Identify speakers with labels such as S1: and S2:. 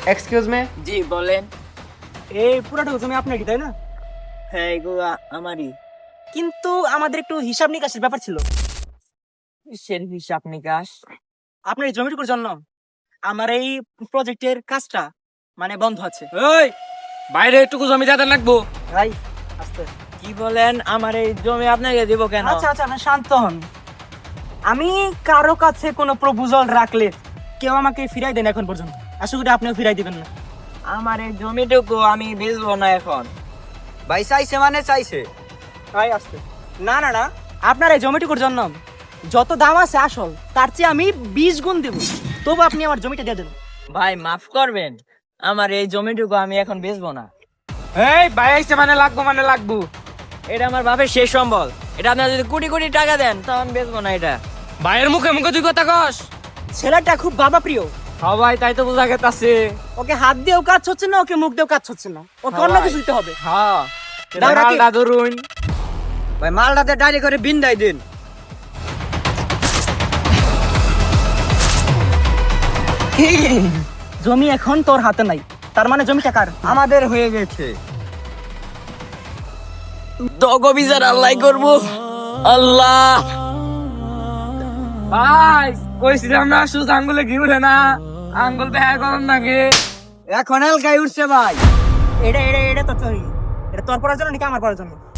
S1: Excuse me.
S2: জি বলেন।
S3: এই পুরাটা জমি আপনারই তাই না?
S2: হ্যাঁ এগুলো আমারই।
S3: কিন্তু আমাদের একটু হিসাব নিকাশের ব্যাপার ছিল।
S2: কিসের হিসাব নিকাশ?
S3: আপনার এই জমিটুকুর জন্য আমার এই প্রজেক্টের কাজটা মানে বন্ধ আছে।
S4: ওই বাইরে একটু জমি যাতে লাগবো।
S3: ভাই আস্তে।
S2: কি বলেন? আমার এই জমি আপনাকে দিব কেন?
S3: আচ্ছা আচ্ছা, আপনি শান্ত হন। আমি কারো কাছে কোনো প্রপোজাল রাখলে কেউ আমাকে ফিরাই দেন এখন পর্যন্ত, আশা করি আপনিও ফিরাই দিবেন না।
S2: আমার এই জমিটুকু আমি বেচবো না এখন।
S1: ভাই চাইছে মানে চাইছে।
S3: ভাই আস্তে। না না না, আপনার এই জমিটুকুর জন্য যত দাম আছে আসল তার চেয়ে আমি 20 গুণ দেব, তবু আপনি আমার জমিটা দিয়ে দেন।
S2: ভাই মাফ করবেন, আমার এই জমিটুকু আমি এখন বেচবো না।
S4: এই ভাই আইছে মানে লাগবো।
S2: এটা আমার বাপের শেষ সম্বল। এটা আপনারা যদি কোটি কোটি টাকা দেন তাও আমি বেচবো না এটা।
S4: ভাইয়ের মুখে মুখে তুই কথা কস।
S3: ছেলেটা খুব বাবা প্রিয়,
S4: সবাই তাই তো বোঝা গেছে।
S3: ওকে হাত দিয়েও কাজ হচ্ছে না, ওকে মুখ দিয়েও কাজ হচ্ছে না, ওকে অন্য
S4: সবাই।
S3: কিছু দিতে হবে।
S4: হ্যাঁ
S3: দাও রাখি।
S4: মালটা ধরুন।
S1: ভাই মালটাতে ডাইরি করে বিন্দাই দিন।
S3: জমি এখন তোর হাতে নাই, তার মানে জমিটা কার?
S1: আমাদের হয়ে গেছে।
S2: দগ বিচার আল্লাহ করবো। আল্লাহ
S4: ভাই কইছিলাম না সুজ আঙ্গুলে ঘি উঠে না, আঙ্গুল দেখা করুন নাকি।
S1: এখন এলকাই উঠছে ভাই।
S3: এটা এটা এটা তো তোর, এটা তোর পড়ার জন্য নাকি আমার পড়ার জন্য?